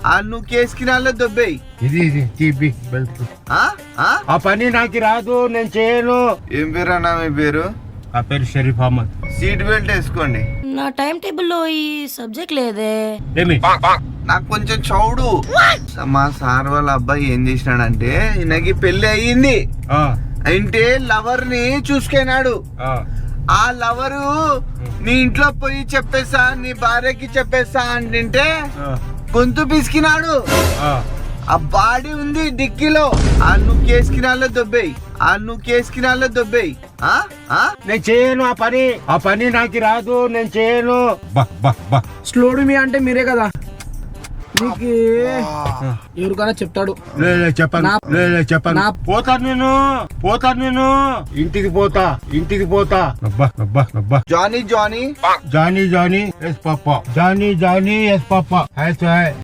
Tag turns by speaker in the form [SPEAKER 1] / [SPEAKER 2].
[SPEAKER 1] నువ్వు కేసుకి నాలో దొబ్బేయి.
[SPEAKER 2] ఇది తీపి బెల్ట్. ఆ పని నాకు రాదు, నేను చేయను.
[SPEAKER 1] ఏం పేరు అన్నా మీ పేరు?
[SPEAKER 2] ఆ పేరు షరీఫ్ అహ్మద్.
[SPEAKER 1] సీట్ బెల్ట్ వేసుకోండి.
[SPEAKER 3] నా టైం టేబుల్లో ఈ సబ్జెక్ట్ లేదే.
[SPEAKER 2] ఏమి
[SPEAKER 1] నాకు కొంచెం చౌడు. మా సార్ వాళ్ళ అబ్బాయి ఏం చేసినాడంటే ఈయనకి పెళ్లి అయ్యింది. అంటే లవర్ ని చూసుకున్నాడు. ఆ లవరు నీ ఇంట్లో పోయి చెప్పేసా, నీ భార్యకి చెప్పేసా అంటే గొంతు పిసికినాడు. ఆ బాడీ ఉంది డిక్కీలో. నువ్వు కేసుకి నాలో దొబ్బేయి. నువ్వు కేసుకి నాలో దొబ్బేయి.
[SPEAKER 2] నేను చేయను ఆ పని నాకు రాదు, నేను చేయను.
[SPEAKER 4] స్లోడు మీ అంటే మీరే కదా, మీకు ఎవరికైనా చెప్తాడు.
[SPEAKER 2] చెప్పను. పోతాను నేను ఇంటికి పోతా.
[SPEAKER 1] జానీ
[SPEAKER 2] జానీ ఎస్ పాపా.